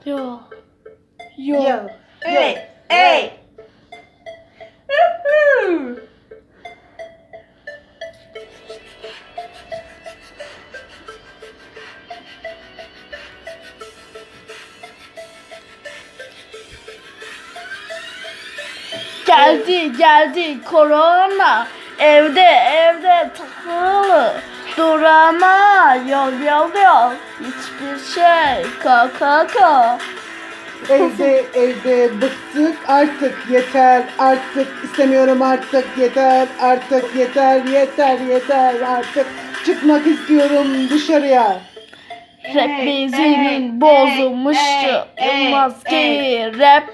Yo. Yo. Hey. Hey. Woohoo. Geldi korona. Evde takılı. Durama yol. Hiçbir şey kaka. Evde bıktık artık yeter artık istemiyorum artık yeter artık çıkmak istiyorum dışarıya. Rap bezinin bozulmuştu. Yılmaz ki rap.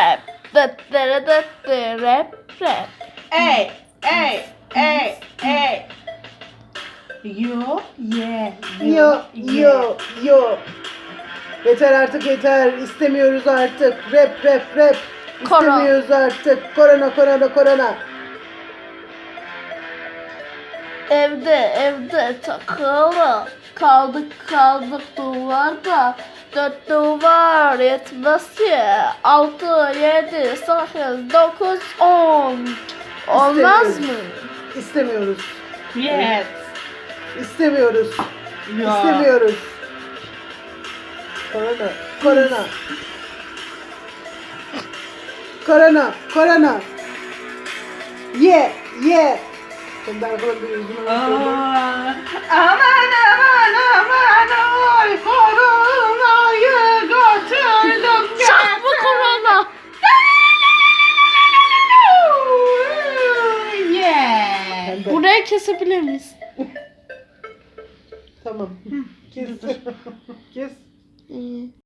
Rap. Hey. Hey. Hey. Hey. Yo. Yeah. Yo. Yeter artık yeter. İstemiyoruz artık. Rap. İstemiyoruz artık. Korona. Evde takılı. Kaldık duvarda. 4 duvar yetmez ki. 6, 7, 8, 9, 10. Olmaz mı? İstemiyoruz. Yes. İstemiyoruz. Ya. İstemiyoruz. Korona. Yeah. Şimdi arkadan bir yüzüme Aman oy koronayı götürdüm. Çakma korona. Yeah. Burayı kesebilir miyiz? Tamam. Kes. İyi.